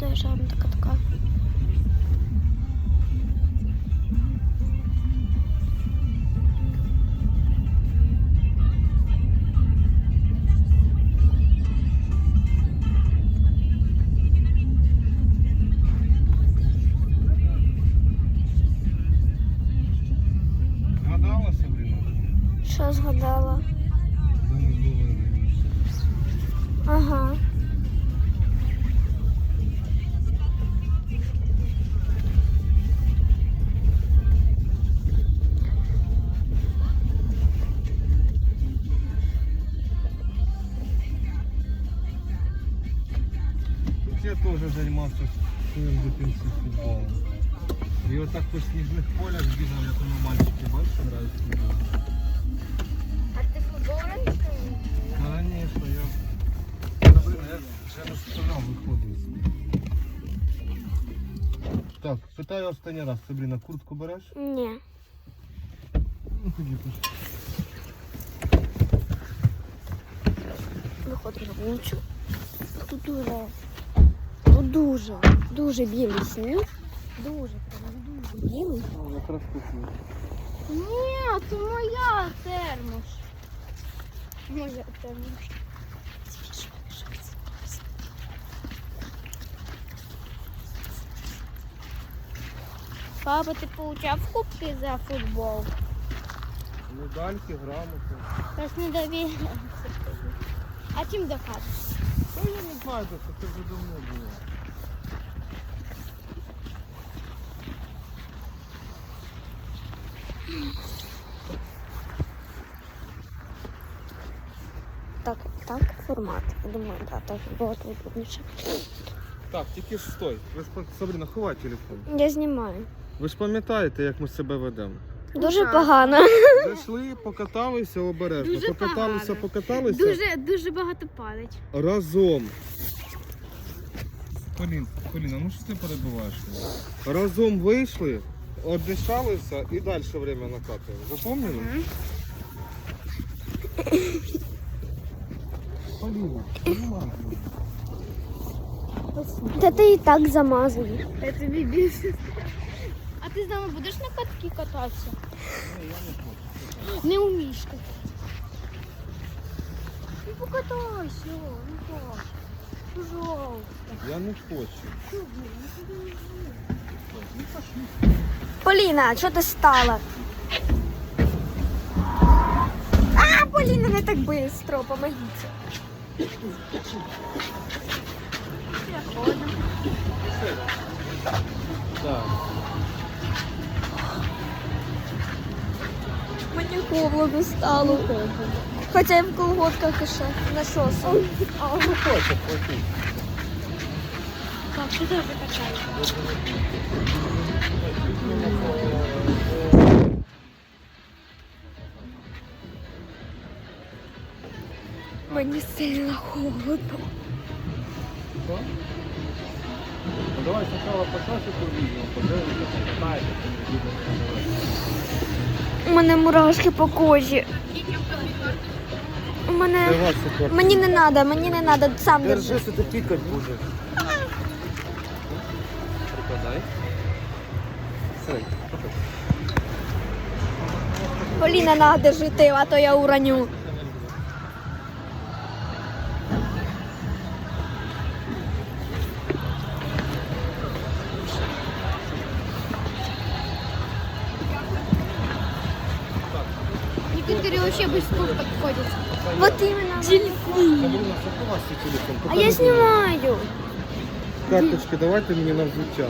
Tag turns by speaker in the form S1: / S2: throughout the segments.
S1: доезжаем до катка.
S2: Згадала, Сабріна?
S1: Що згадала?
S2: Де ми були раніше?
S1: Ага.
S2: Я теж займався своїм дитинством футболом. І отак по сніжних полях бігав, як воно мальчики, бачиш, грають в футбол.
S1: А ти футбол раніше?
S2: Конечно, я... Сабріна, я вже розповідав, виходив. Так, питаю останній раз, Сабріна, куртку береш?
S1: Ні.
S2: Ну, тоді пішли.
S1: Виходимо на вулицю. Тут дуже білий сніг. Дуже білий.
S2: Якраз купив.
S1: Ні, це моя термос. Моя термос. Папа, ти получав кубки за футбол?
S2: Медальки, грамоти.
S1: Тож не довіряємося. А чим доказати?
S2: Та я не знаю, це вже давно було.
S1: Так, формат. Я думаю, да, так було удобніше.
S2: Так, тільки ж стой. Ви ж, Сабріна, ховай телефон.
S1: Я знімаю.
S2: Ви ж пам'ятаєте, як ми себе ведемо?
S1: Дуже погано.
S2: Зайшли, покаталися обережно.
S3: Дуже
S2: Покаталися,
S3: погано.
S2: покаталися.
S3: Дуже багато падать.
S2: Разом. Поліна, ну що ти перебуваєш? Разом вийшли, оддишалися і далі время накатуємо. Запомнили? Поліна, понимаєш?
S1: Та ти і так замазаний.
S3: Я тобі більше. А ти з нами будеш на катки кататися? Не вмієш кататися. Ну покатайся, ну так. Пожалуйста.
S2: Я не хочу.
S1: Поліна, що ти стала? Поліна, не так швидко, помогите.
S2: Так.
S1: Мені холодно стало. Хоча я в колготках ще на шосу.
S2: Не хочу платити.
S3: Так, ти теж катайся.
S1: Мені сильно холодно.
S2: Что? Ну, давай сначала по часику видео, подивимося, покатаєте,
S1: У мене мурашки по кожі. У мене... Мені не треба, сам держи.
S2: Держи, ти пікати будеш. Прикладай. Все, проходь.
S1: Поліна, на, держи ти, а то я уроню.
S3: Некоторые вообще быстро подходят.
S1: Вот именно.
S2: Сабріна, заховай свій телефон.
S1: А я знімаю.
S2: Карточки давайте мені на взуття.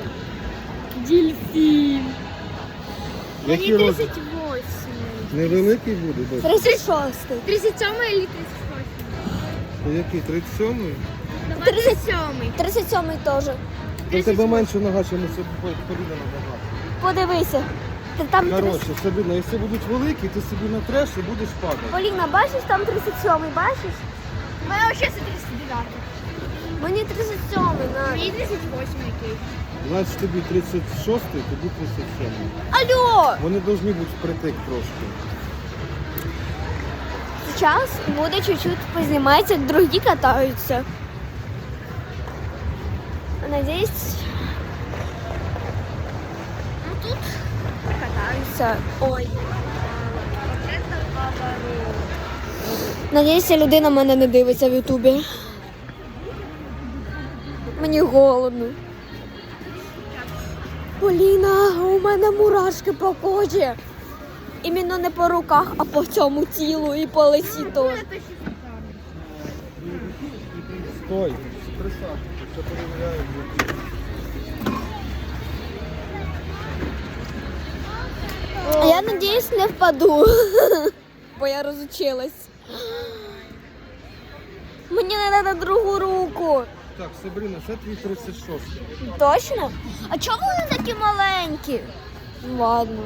S3: Дельфин.
S2: Який
S3: Они
S2: розмір?
S3: 38.
S2: Невеликий буде, дочь?
S1: 36-й.
S3: 37 или 38?
S2: Який, 37-й?
S3: 37.
S1: 37-й теж.
S2: У тебе менше нога, чим у Поліна нога.
S1: Подивися. Там
S2: Коротше, Сабріна, якщо будуть великі, ти собі натреш і будеш падати.
S1: Поліна, бачиш, там 37-й, бачиш?
S3: У меня вообще 39.
S1: Мені 37-й, на.
S3: Мне 38 окей.
S2: Значить тобі 36-й, тобі 37-й.
S1: Алло!
S2: Вони повинні бути впритик трошки.
S1: Сейчас буду чуть-чуть познімати, як другі катаються. Надіюсь. Ну тут катаюся. Ой. Надіюся, людина мене не дивиться в Ютубі. Мені голодно. Поліна, у мене мурашки по кожі. Іменно не по руках, а по цьому тілу і по лиці теж.
S2: Стой, присадку, все перевіряю.
S1: Я надіюсь, не впаду, бо я розучилась. Мені не треба другу руку.
S2: Так, Сабріна, це твій 36.
S1: Точно? А чому вони такі маленькі? Ладно.